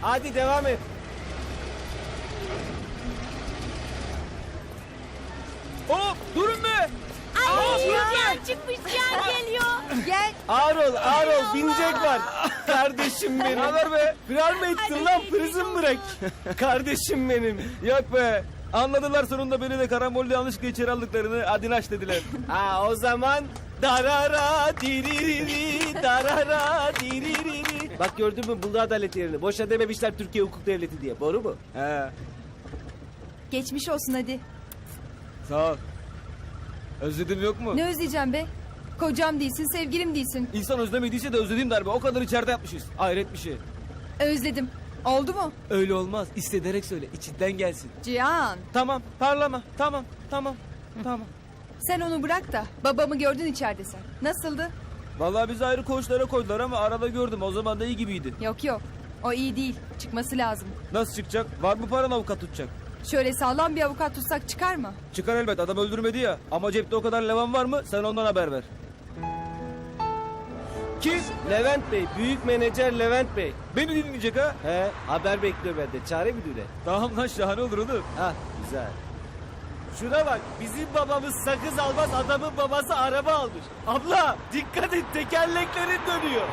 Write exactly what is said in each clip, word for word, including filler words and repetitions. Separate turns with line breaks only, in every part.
Hadi devam et.
Hop durun be.
Ay Cihan çıkmış, Cihan geliyor.
Gel.
Ağır ol, ağır ol. Binecek var. Kardeşim benim.
Ne haber be?
Firar mı ettin lan? Prison break. Kardeşim benim.
Yok be. Anladılar sonunda beni de karambolde yanlışlıkla içeri aldıklarını. Adinaş dediler.
Ha o zaman darara diririri darara diririri. Bak gördün mü buldu adalet yerini. Boşa dememişler Türkiye hukuk devleti diye. Doğru mu?
He.
Geçmiş olsun hadi.
Sağ ol. Özledim yok mu?
Ne özleyeceğim be? Kocam değilsin, sevgilim değilsin.
İnsan özlemediyse de özlediğim darbe. O kadar içeride yapmışız. Hayret bir şey.
Özledim. Oldu mu?
Öyle olmaz. İstederek söyle. İçinden gelsin.
Cihan.
Tamam. Parlama. Tamam. Tamam. Tamam.
Sen onu bırak da babamı gördün içeride sen. Nasıldı?
Vallahi bizi ayrı koğuşlara koydular ama arada gördüm. O zaman da iyi gibiydi.
Yok yok. O iyi değil. Çıkması lazım.
Nasıl çıkacak? Var mı paran avukat tutacak?
Şöyle sağlam bir avukat tutsak çıkar mı?
Çıkar elbet. Adam öldürmedi ya. Ama cepte o kadar levan var mı? Sen ondan haber ver.
Kim? Levent Bey. Büyük menajer Levent Bey.
Beni dinleyecek ha?
He haber bekliyor bende. Çare müdüre.
Tamam lan şahane olur oğlum.
Ha güzel. Şuna bak bizim babamız sakız almaz adamın babası araba almış. Abla dikkat et tekerleklerin dönüyor.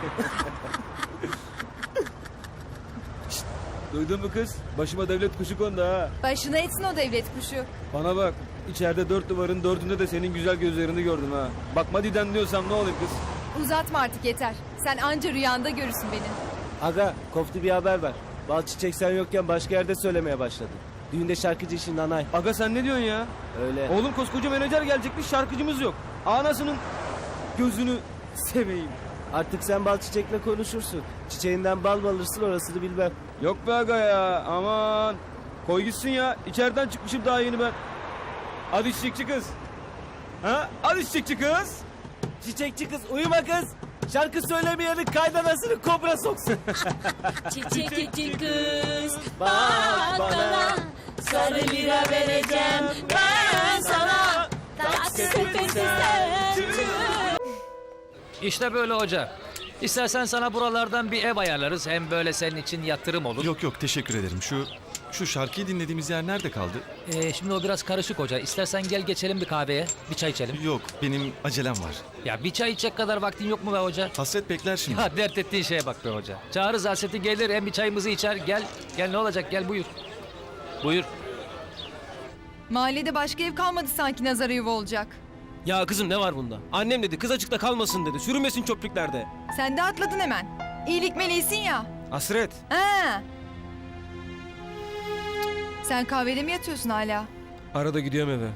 Duydun mu kız? Başıma devlet kuşu kondu ha.
Başına etsin o devlet kuşu.
Bana bak. İçeride dört duvarın dördünde de senin güzel gözlerini gördüm ha. Bakma diden diyorsam ne olayım kız?
Uzatma artık yeter. Sen anca rüyanda görürsün beni.
Aga koftu bir haber ver. Bal çiçek sen yokken başka yerde söylemeye başladı. Düğünde şarkıcı işin nanay.
Aga sen ne diyorsun ya?
Öyle.
Oğlum koskoca menajer gelecekmiş şarkıcımız yok. Anasının gözünü seveyim.
Artık sen bal çiçekle konuşursun. Çiçeğinden bal mı alırsın orasını bilmem.
Yok be aga ya aman. Koy gitsin ya. İçeriden çıkmışım daha yeni ben. Hadi çiçekçi kız. Ha? Hadi çiçekçi kız.
Çiçekçi kız uyuma kız. Şarkı söylemeyenin kaydanasını kobra soksun.
Çiçekçi kız
Bak
bak bana, sarı lira vereceğim ben sana. Tak sepeti sen.
İşte böyle hoca. İstersen sana buralardan bir ev ayarlarız. Hem böyle senin için yatırım olur.
Yok yok teşekkür ederim. Şu şu şarkıyı dinlediğimiz yer nerede kaldı?
Ee, şimdi o biraz karışık hoca. İstersen gel geçelim bir kahveye. Bir çay içelim.
Yok benim acelem var.
Ya bir çay içecek kadar vaktin yok mu be hoca?
Hasret bekler şimdi.
Ya dert ettiğin şeye bak be hoca. Çağırırız Hasret'i gelir hem bir çayımızı içer. Gel. Gel ne olacak gel buyur. Buyur.
Mahallede başka ev kalmadı sanki nazara yuva olacak.
Ya kızım ne var bunda? Annem dedi kız açıkta kalmasın dedi. Sürünmesin çöplüklerde.
Sen de atladın hemen. İyilik meleğisin ya.
Hasret.
Ha. Sen kahvede mi yatıyorsun hala?
Arada gidiyorum eve.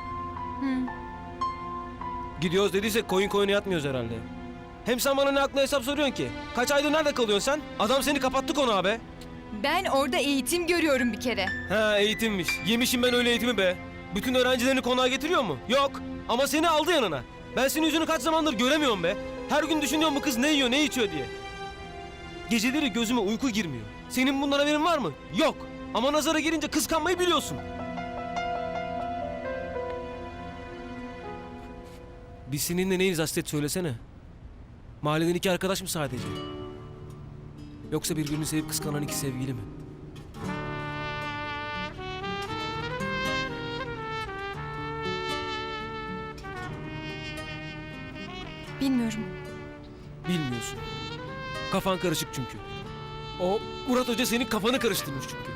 Gidiyoruz dediysek koyun koyuna yatmıyoruz herhalde. Hem sen bana ne akla hesap soruyorsun ki? Kaç aydır nerede kalıyorsun sen? Adam seni kapattı konu abi.
Ben orada eğitim görüyorum bir kere.
Ha eğitimmiş. Yemişim ben öyle eğitimi be. Bütün öğrencilerini konağa getiriyor mu? Yok. Ama seni aldı yanına. Ben senin yüzünü kaç zamandır göremiyorum be. Her gün düşünüyorum bu kız ne yiyor ne içiyor diye. Geceleri gözüme uyku girmiyor. Senin bundan haberin var mı? Yok. Ama nazara gelince kıskanmayı biliyorsun. Biz seninle neyiz Hasret söylesene. Mahalleden iki arkadaş mı sadece? Yoksa birbirini sevip kıskanan iki sevgili mi?
Bilmiyorum.
Bilmiyorsun. Kafan karışık çünkü. O Murat Hoca senin kafanı karıştırmış çünkü.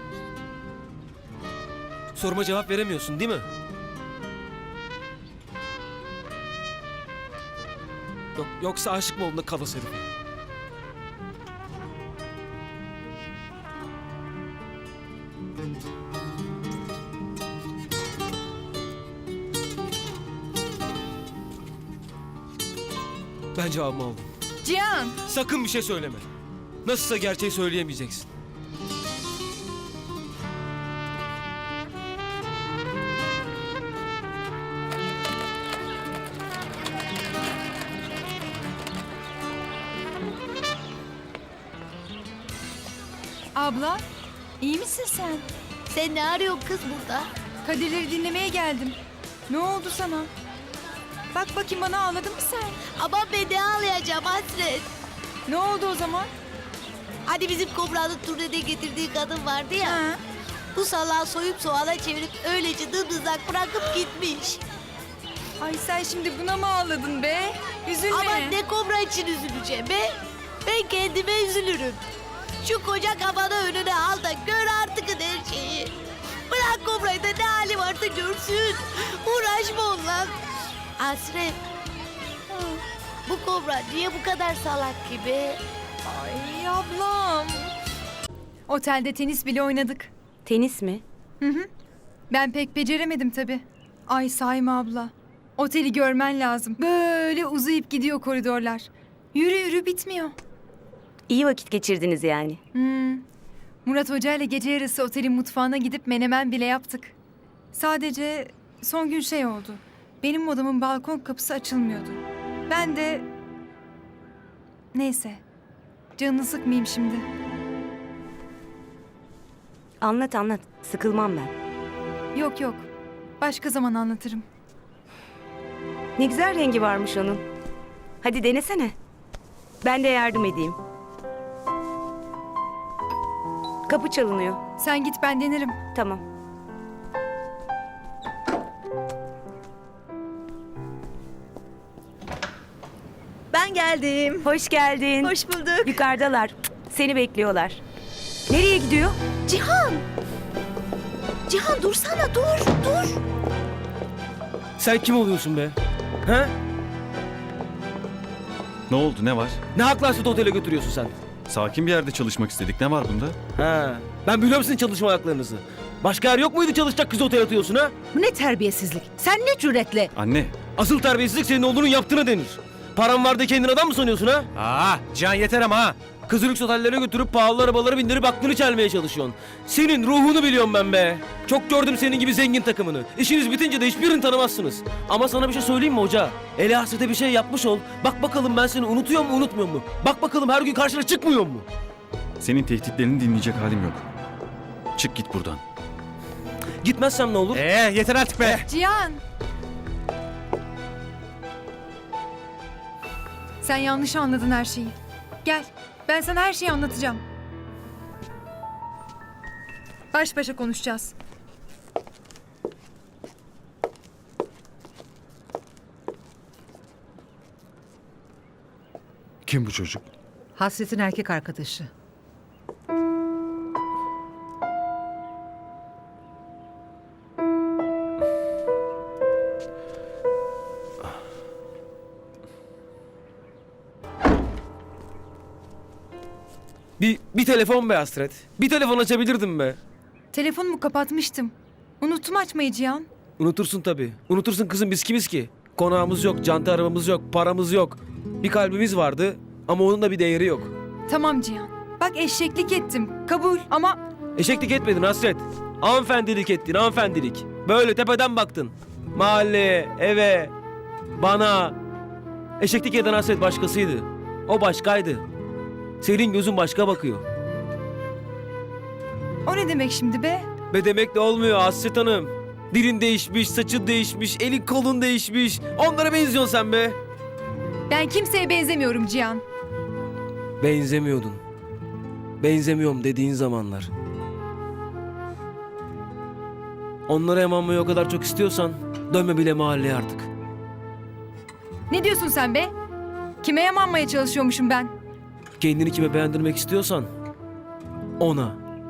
Soruma cevap veremiyorsun değil mi? Yok, yoksa aşık mı oldun da kalas herife? Ben cevabımı aldım.
Cihan.
Sakın bir şey söyleme. Nasılsa gerçeği söyleyemeyeceksin.
Abla, iyi misin sen?
Sen ne arıyorsun kız burada?
Kadirleri dinlemeye geldim. Ne oldu sana? Bak bakayım bana ağladın mı sen?
Ama ben ne ağlayacağım Hasret?
Ne oldu o zaman?
Hani bizim Kobra'nın turnede getirdiği kadın vardı ya.
Ha?
Bu salağı soyup soğana çevirip öylece dımdızak bırakıp gitmiş.
Ay sen şimdi buna mı ağladın be? Üzülme.
Ama ne Kobra için üzüleceğim be? Ben kendime üzülürüm. Şu koca kafanı önüne al da gör artık her şeyi. Bırak Kobra'yı da ne hali varsa görsün. Uğraşma onunla. Hasret. Bu Kobra niye bu kadar salak gibi?
Ay ablam. Otelde tenis bile oynadık.
Tenis mi?
Ben pek beceremedim tabii. Ay Sayma abla. Oteli görmen lazım. Böyle uzayıp gidiyor koridorlar. Yürü yürü bitmiyor.
İyi vakit geçirdiniz yani.
Hmm. Murat Hoca ile gece yarısı otelin mutfağına gidip menemen bile yaptık. Sadece son gün şey oldu. Benim odamın balkon kapısı açılmıyordu. Ben de... Neyse. Canını sıkmayayım şimdi.
Anlat anlat. Sıkılmam ben.
Yok yok. Başka zaman anlatırım.
Ne güzel rengi varmış onun. Hadi denesene. Ben de yardım edeyim. Kapı çalınıyor.
Sen git ben denerim.
Tamam.
Ben geldim.
Hoş geldin.
Hoş bulduk.
Yukarıdalar. Seni bekliyorlar. Nereye gidiyor?
Cihan! Cihan dursana dur dur.
Sen kim oluyorsun be? Ha?
Ne oldu, ne var?
Ne hakla Hasret'i otele götürüyorsun sen?
Sakin bir yerde çalışmak istedik. Ne var bunda?
Ha. Ben biliyorum sizin çalışma haklarınızı. Başka yer yok muydu çalışacak kızı otele atıyorsun ha?
Bu ne terbiyesizlik? Sen ne cüretle?
Anne,
Asıl terbiyesizlik senin oğlunun yaptığına denir. Param var da kendin adam mı sanıyorsun ha?
Aa, Cihan yeter ama ha.
Kızı lüks otellere götürüp pahalı arabalara bindirip aklını çelmeye çalışıyorsun. Senin ruhunu biliyorum ben be. Çok gördüm senin gibi zengin takımını. İşiniz bitince de hiçbirini tanımazsınız. Ama sana bir şey söyleyeyim mi hoca? Ele hasrete bir şey yapmış ol. Bak bakalım ben seni unutuyor mu unutmuyor mu? Bak bakalım her gün karşına çıkmıyor mu?
senin tehditlerini dinleyecek halim yok. Çık git buradan.
Gitmezsem ne olur?
Ee, yeter artık be.
Cihan! Sen yanlış anladın her şeyi. Gel, ben sana her şeyi anlatacağım. Baş başa konuşacağız.
Kim bu çocuk?
Hasret'in erkek arkadaşı.
Bir, bir telefon be Hasret. Bir telefon açabilirdim be.
Telefonumu kapatmıştım. Unuttum açmayı Cihan.
Unutursun tabii. Unutursun kızım biz kimiz ki? Konağımız yok, canta arabamız yok, paramız yok. Bir kalbimiz vardı ama onun da bir değeri yok.
Tamam Cihan. Bak eşeklik ettim. Kabul ama
Eşeklik etmedin Hasret. Hanımefendilik ettin, hanımefendilik. Böyle tepeden baktın. Mahalleye, eve, bana. Eşeklik eden Hasret başkasıydı. O başkaydı. Senin gözün başka bakıyor.
o ne demek şimdi be?
Be demek de olmuyor Hasret Hanım. Dilin değişmiş, saçın değişmiş, elin kolun değişmiş. Onlara benziyorsun sen be.
Ben kimseye benzemiyorum Cihan.
Benzemiyordun. Benzemiyorum dediğin zamanlar. Onlara emanmayı o kadar çok istiyorsan dönme bile mahalleye artık.
Ne diyorsun sen be? Kime yamanmaya çalışıyormuşum ben?
Kendini kime beğendirmek istiyorsan ona.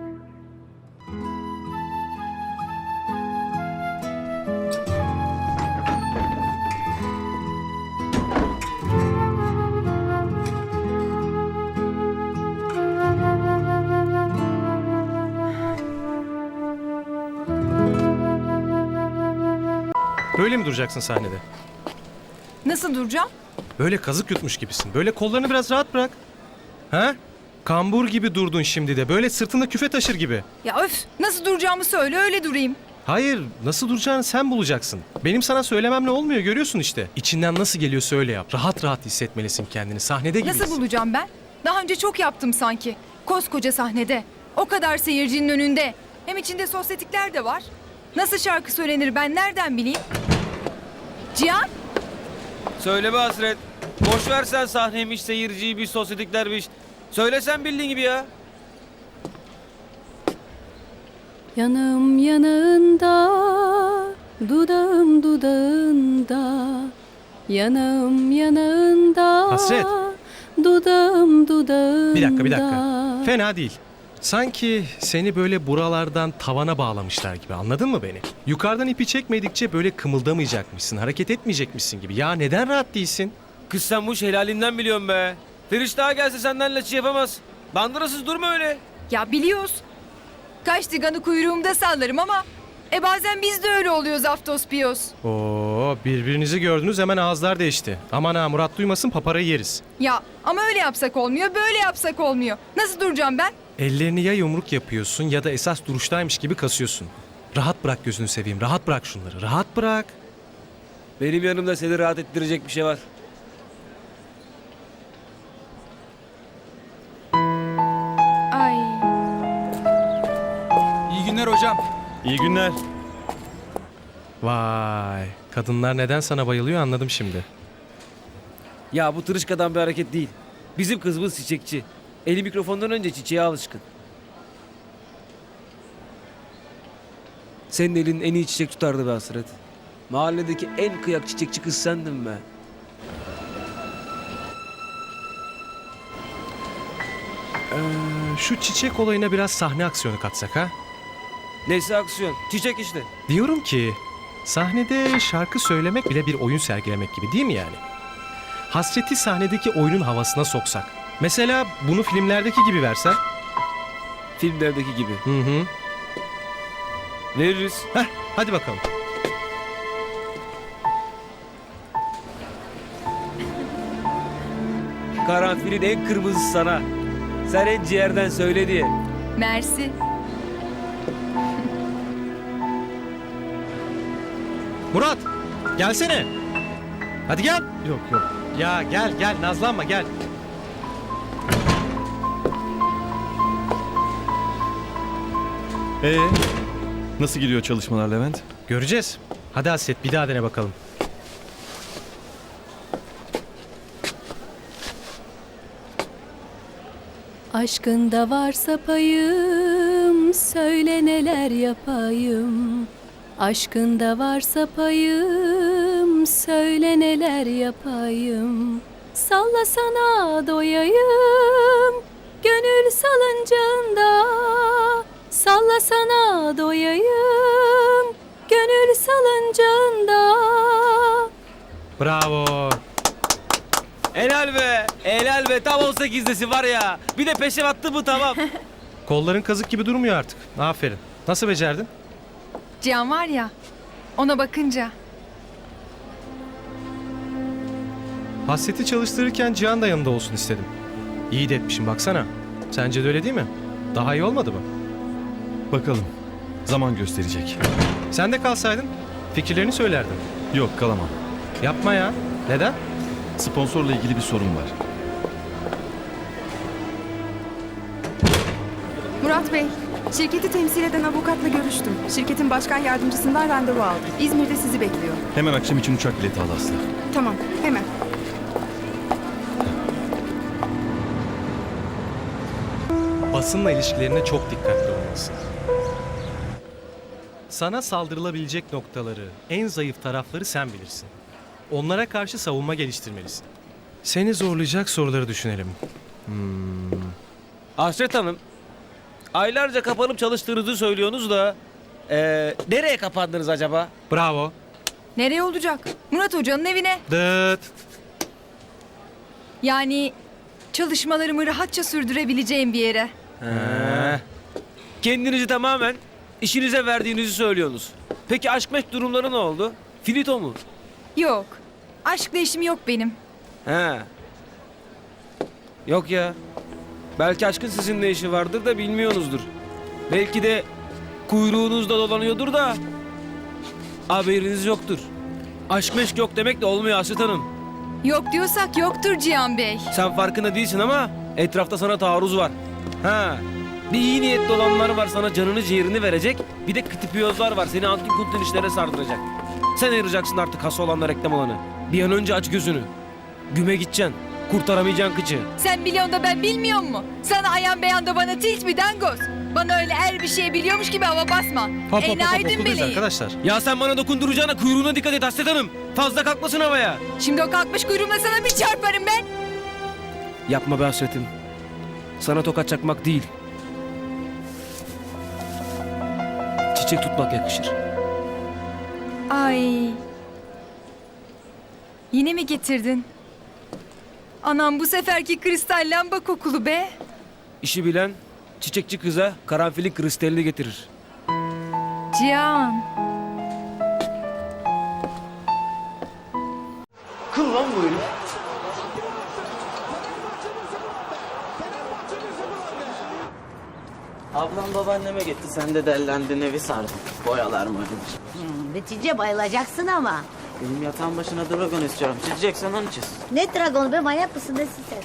Böyle mi duracaksın sahnede?
Nasıl duracağım?
Böyle kazık yutmuş gibisin. Böyle kollarını biraz rahat bırak. Ha? Kambur gibi durdun şimdi de. Böyle sırtında küfe taşır gibi.
Ya öf! Nasıl duracağımı söyle öyle durayım.
Hayır, nasıl duracağını sen bulacaksın. Benim sana söylememle olmuyor, görüyorsun işte. İçinden nasıl geliyorsa öyle yap. Rahat rahat hissetmelisin kendini. Sahnede gibisin.
Nasıl bulacağım ben? Daha önce çok yaptım sanki. Koskoca sahnede. O kadar seyircinin önünde. Hem içinde sosyetikler de var. Nasıl şarkı söylenir ben nereden bileyim? Cihan!
Söyle be Hasret. Boş ver sen sahneymiş, seyirciymiş, sosyetiklermiş.
Söyle sen bildiğin gibi ya.
Yanım yanağında, dudağım dudağında, yanım yanağında,
Hasret.
dudağım dudağında.
Bir dakika bir dakika. Fena değil. Sanki seni böyle buralardan tavana bağlamışlar gibi, anladın mı beni? Yukarıdan ipi çekmedikçe böyle kımıldamayacakmışsın, hareket etmeyecekmişsin gibi. Ya neden rahat değilsin?
Kız sen bu iş helalinden biliyorsun be. Feriş daha gelse senden laçı yapamaz. Bandırasız durma öyle.
Ya biliyoruz. Kaç tiganı kuyruğumda sallarım ama e bazen biz de öyle oluyoruz Aftos Piyos.
Oo, birbirinizi gördünüz hemen ağızlar değişti. Aman ha, Murat duymasın, paparayı yeriz.
Ya ama öyle yapsak olmuyor, böyle yapsak olmuyor. Nasıl duracağım ben?
Ellerini ya yumruk yapıyorsun ya da esas duruştaymış gibi kasıyorsun. Rahat bırak, gözünü seveyim, rahat bırak şunları, rahat bırak.
Benim yanımda seni rahat ettirecek bir şey var.
Ay.
İyi günler hocam.
İyi günler.
Vay, kadınlar neden sana bayılıyor anladım şimdi.
Ya bu tırışkadan bir hareket değil. Bizim kızımız çiçekçi. Eli mikrofondan önce çiçeğe alışkın. Senin elin en iyi çiçek tutardı be Hasret. Mahalledeki en kıyak çiçekçi kız sendin be.
Ee, şu çiçek olayına biraz sahne aksiyonu katsak ha?
Neyse aksiyon. Çiçek işte.
Diyorum ki sahnede şarkı söylemek bile bir oyun sergilemek gibi değil mi yani? Hasreti sahnedeki oyunun havasına soksak. Mesela bunu filmlerdeki gibi versen.
Filmlerdeki gibi.
Hı hı.
Veririz.
Heh, hadi bakalım.
Karanfilin en kırmızısı sana. Sen en ciğerden söyle diye.
Mersi.
Murat, gelsene. Hadi gel. Yok yok. Ya gel gel, nazlanma gel.
Ee, nasıl gidiyor çalışmalar Levent?
Göreceğiz. Hadi Hasret, bir daha dene bakalım.
Aşkında varsa payım, söyle neler yapayım. Aşkında varsa payım, söyle neler yapayım. Sallasana doyayım, gönül salıncağında. Sallasana doyayım, gönül salıncağında.
Bravo.
Helal be. Helal be. Tam on sekizdesi var ya. Bir de peşe attı bu tamam.
Kolların kazık gibi durmuyor artık. Aferin. Nasıl becerdin?
Cihan var ya, ona bakınca.
Hasreti çalıştırırken Cihan da yanında olsun istedim. İyi de etmişim baksana. Sence de öyle değil mi? Daha iyi olmadı mı?
Bakalım. Zaman gösterecek.
Sen de kalsaydın fikirlerini söylerdin.
Yok, kalamam.
Yapma ya. Neden?
Sponsorla ilgili bir sorun var.
Murat Bey, şirketi temsil eden avukatla görüştüm. Şirketin başkan yardımcısından randevu aldım. İzmir'de sizi bekliyor.
Hemen akşam için uçak bileti al Aslı.
Tamam, hemen.
Basınla ilişkilerine çok dikkatli olmalısın. Sana saldırılabilecek noktaları, en zayıf tarafları sen bilirsin. Onlara karşı savunma geliştirmelisin. Seni zorlayacak soruları düşünelim.
Hasret Hanım. Aylarca kapanıp çalıştığınızı söylüyorsunuz da. Eee nereye kapandınız acaba?
Bravo.
Nereye olacak? Murat Hoca'nın evine.
Dıt.
Yani çalışmalarımı rahatça sürdürebileceğim bir yere.
He. Kendinizi tamamen işinize verdiğinizi söylüyorsunuz. Peki aşk meşk durumları ne oldu? Finito mu?
Yok. Aşkla işim yok benim.
He. Yok ya. Belki aşkın sizinle işi vardır da bilmiyorsunuzdur. Belki de kuyruğunuzda dolanıyordur da haberiniz yoktur. Aşk meşk yok demek de olmuyor Hasret Hanım.
Yok diyorsak yoktur Cihan Bey.
Sen farkında değilsin ama etrafta sana taarruz var. Ha. Bir iyi niyetli olanlar var sana canını ciğerini verecek. Bir de kıtıpiyozlar var seni antin kuntin işlere sardıracak. Sen ayıracaksın artık hası olanla reklam olanı. Bir an önce aç gözünü. Güme gideceksin. Kurtaramayacaksın kıçı.
Sen biliyorsun da ben bilmiyor mu? Sana ayan beyan da bana tilt mi dangoz? Bana öyle her bir şey biliyormuş gibi hava basma.
Hop hop hop, hop
Enaydın
okuldayız
meleği.
arkadaşlar.
Ya sen bana dokunduracağına kuyruğuna dikkat et Hasret Hanım. Fazla kalkmasın havaya.
Şimdi o kalkmış kuyruğumla sana bir çarparım ben.
Yapma be Hasret'im. Sana tokat çakmak değil. Çiçek tutmak yakışır.
Ay. Yine mi getirdin? Anam bu seferki kristal lamba kokulu be.
İşi bilen çiçekçi kıza karanfilin kristalini getirir.
Cihan.
Kıl lan bu herif.
Ablam babaanneme gitti. Sen de dellendin, evi sardın. Boyalar mı ödemiş?
Hmm, Netice bayılacaksın ama.
Benim yatağın başına dragon istiyorum. Çizeceksen onu çiz.
Ne dragon be, manyak mısın nesin sen?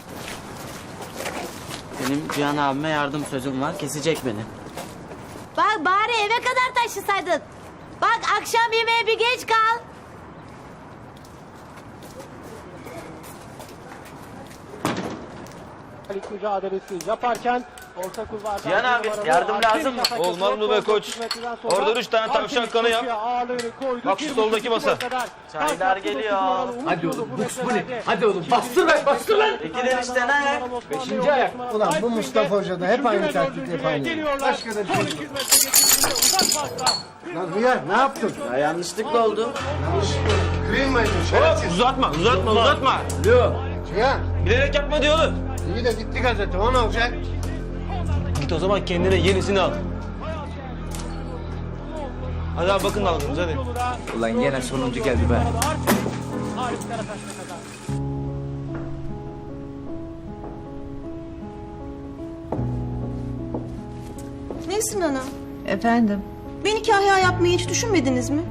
Benim Cihan abime yardım sözüm var. Kesecek beni.
Bak bari eve kadar taşısaydın. Bak akşam yemeğe bir geç kal.
mücadelesi yaparken orta kulvarda
Cihan abi, yardım lazım mı?
Olmaz mı be koç? Orada üç tane tavşan kanı yap. Bak şu soldaki masa.
Çaylar geliyor.
Hadi oğlum, bu ne? Hadi oğlum, bastır lan, bastır lan.
İkiler işte ne ayak?
Beşinci ayak. Ulan bu Mustafa Hoca da hep aynı taktik hep aynı. Başka da bir şey yok. Lan Hıyar, ne yaptın?
Ya yanlışlıkla oldu.
Kıyılmayın şerefsiz.
Uzatma, uzatma, uzatma.
Alo. Cihan,
Bilerek yapma diyor oğlum.
iyi de gitti gazete, o ne olacak?
Git o zaman kendine yenisini al. Hadi abi bakın dalgınız hadi.
Ulan gene sonuncu geldi be.
Nesin ana?
Efendim,
Beni kahya yapmayı hiç düşünmediniz mi?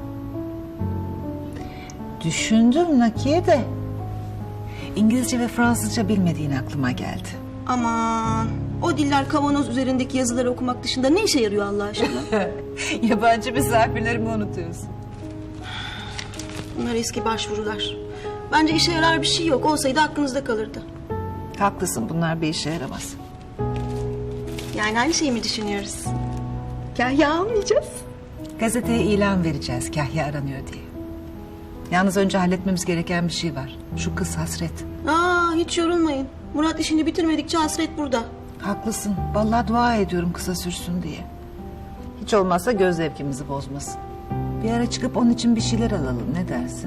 düşündüm Nakiye de. İngilizce ve Fransızca bilmediğin aklıma geldi.
Aman, o diller kavanoz üzerindeki yazıları okumak dışında ne işe yarıyor Allah aşkına?
Yabancı misafirlerimi unutuyorsun.
Bunlar eski başvurular. Bence işe yarar bir şey yok. Olsaydı aklınızda kalırdı.
Haklısın, bunlar bir işe yaramaz.
Yani aynı şeyi mi düşünüyoruz? Kahya almayacağız.
Gazeteye ilan vereceğiz Kahya aranıyor diye. Yalnız önce halletmemiz gereken bir şey var. Şu kız Hasret.
Aa, hiç yorulmayın. Murat işini bitirmedikçe hasret burada.
Haklısın. Vallahi dua ediyorum kısa sürsün diye. Hiç olmazsa göz zevkimizi bozmasın. Bir ara çıkıp onun için bir şeyler alalım. Ne dersin?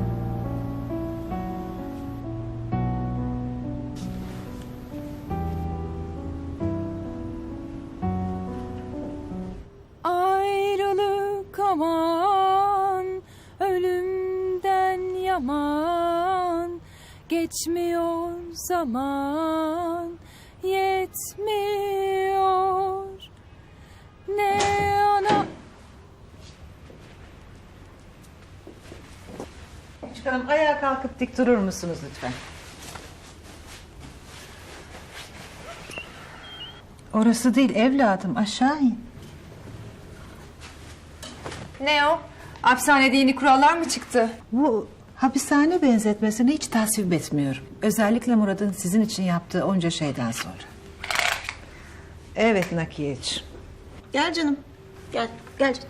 Ayrılık aman, ölümden yaman, geçmiyor zaman, yetmiyor ne ana...
Çıkalım, ayağa kalkıp dik durur musunuz lütfen? Orası değil evladım, aşağı in.
Ne o? Hapishanede yeni kurallar mı çıktı?
Bu hapishane benzetmesini hiç tasvip etmiyorum. Özellikle Murat'ın sizin için yaptığı onca şeyden sonra. Evet Nakiyeciğim.
Gel canım. Gel, gel canım.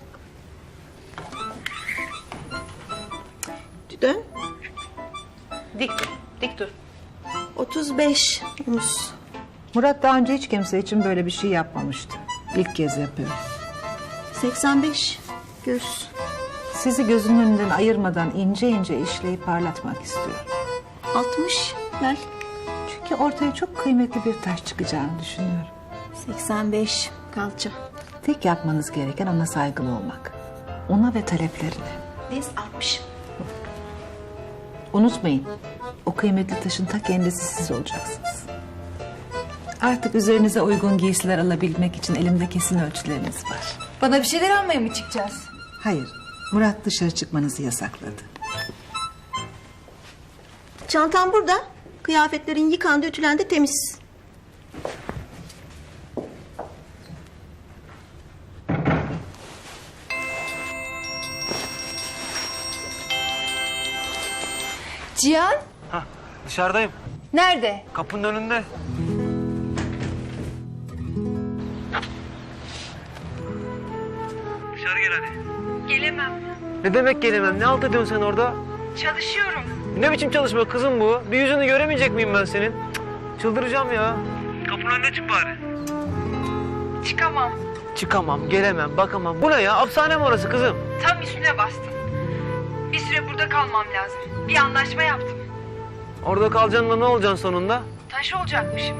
Dön.
Dik dur, dik dur.
otuz beş omuz.
Murat daha önce hiç kimse için böyle bir şey yapmamıştı. İlk kez yapıyor.
seksen beş göğüs.
Sizi gözünün önünden ayırmadan ince ince işleyip parlatmak istiyorum.
altmış gel.
Çünkü ortaya çok kıymetli bir taş çıkacağını düşünüyorum.
seksen beş kalça.
Tek yapmanız gereken ona saygılı olmak. Ona ve taleplerine.
Biz altmış.
Unutmayın, o kıymetli taşın ta kendisi siz olacaksınız. Artık üzerinize uygun giysiler alabilmek için elimde kesin ölçüleriniz var.
Bana bir şeyler almaya mı çıkacağız?
Hayır, Murat dışarı çıkmanızı yasakladı.
Çantam burada. Kıyafetlerin yıkandı, ütülendi, temiz.
Cihan,
Dışarıdayım.
Nerede?
Kapının önünde. Dışarı gel hadi.
Gelemem.
Ne demek gelemem? Ne halt ediyorsun sen orada?
Çalışıyorum.
Ne biçim çalışma kızım bu? Bir yüzünü göremeyecek miyim ben senin? Cık, çıldıracağım ya. Kapının önüne çık bari.
Çıkamam.
Çıkamam, gelemem, bakamam. Bu ne ya? Hapishane mi orası kızım?
Tam üstüne bastın. Bir süre burada kalmam lazım. Bir anlaşma yaptım.
Orada kalacaksın da ne olacaksın sonunda?
Taş olacakmışım.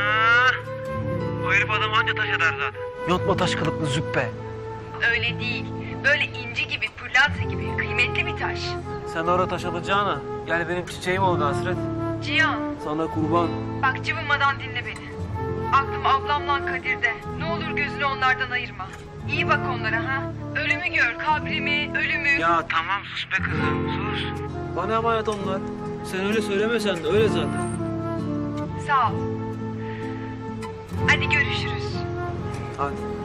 O herif adam anca taş eder zaten. Yontma taş kılıklı züppe.
Öyle değil. Böyle inci gibi, pırlanta gibi kıymetli bir taş.
Sen orada taş alacağına gel benim çiçeğim ol Hasret.
Cihan,
Sana kurban.
bak cıvımadan dinle beni. Aklım ablamla Kadir'de. Ne olur gözünü onlardan ayırma. İyi bak onlara ha. Ölümü gör, kabrimi, ölümü.
Ya tamam sus be kızım sus. Bana emanet onlar. Sen öyle söylemesen de öyle zaten.
Sağ ol. Hadi görüşürüz.
Hadi.